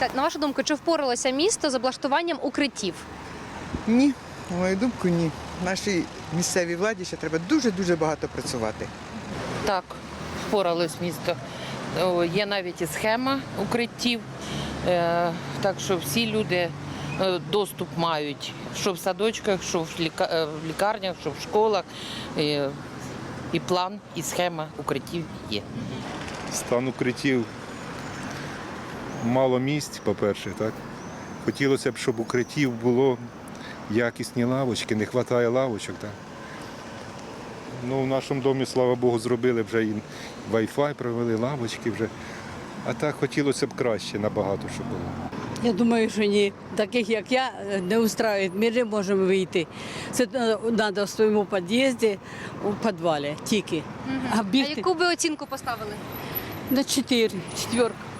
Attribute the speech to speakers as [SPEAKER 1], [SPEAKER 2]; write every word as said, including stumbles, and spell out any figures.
[SPEAKER 1] Так, на вашу думку, чи впоралося місто з облаштуванням укриттів?
[SPEAKER 2] Ні, на мою думку, ні. Нашій місцевій владі ще треба дуже-дуже багато працювати.
[SPEAKER 3] Так, впоралось місто. О, Є навіть і схема укриттів, е, так що всі люди е, доступ мають, що в садочках, що в ліка- е, в лікарнях, що в школах. Е, І план, і схема укриттів є.
[SPEAKER 4] Стан укриттів мало місць, по-перше, так. Хотілося б, щоб укриттів було якісні лавочки, не вистачає лавочок. Так. Ну, в нашому домі, слава Богу, зробили вже і Wi-Fi, провели лавочки вже. А так хотілося б краще набагато, щоб було.
[SPEAKER 5] Я думаю, що ні. Таких, як я, не устраюють. Ми не можемо вийти. Це треба в своєму під'їзді, у підвалі тільки. А
[SPEAKER 1] А
[SPEAKER 5] бігти
[SPEAKER 1] яку би оцінку поставили?
[SPEAKER 5] на чотири, четверка.